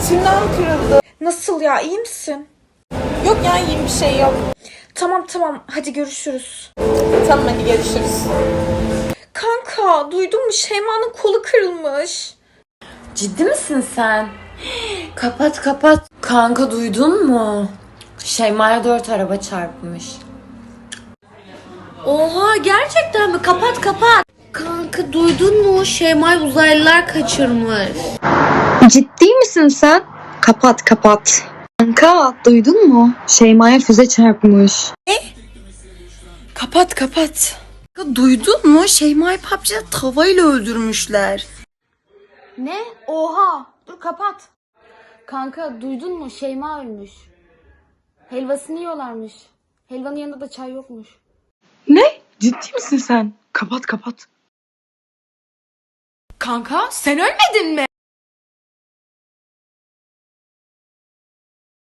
Tırnağım kırıldı. Nasıl ya, iyi misin? Yok ya, iyiyim, bir şey yok. Tamam hadi görüşürüz. Tamam, hadi görüşürüz. Kanka duydun mu, Şeyma'nın kolu kırılmış. Ciddi misin sen? Kapat. Kanka duydun mu? Şeyma'ya 4 araba çarpmış. Oha, gerçekten mi? Kapat. Kanka duydun mu? Şeyma'yı uzaylılar kaçırmış. Ciddi misin sen? Kapat. Kanka duydun mu? Şeyma'ya füze çarpmış. Kapat. Duydun mu? Şeyma'yı PUBG'de tavayla öldürmüşler. Ne? Oha. Dur kapat. Kanka duydun mu? Şeyma ölmüş. Helvasını yiyorlarmış. Helvanın yanında da çay yokmuş. Ne? Ciddi misin sen? Kapat. Kanka sen ölmedin mi?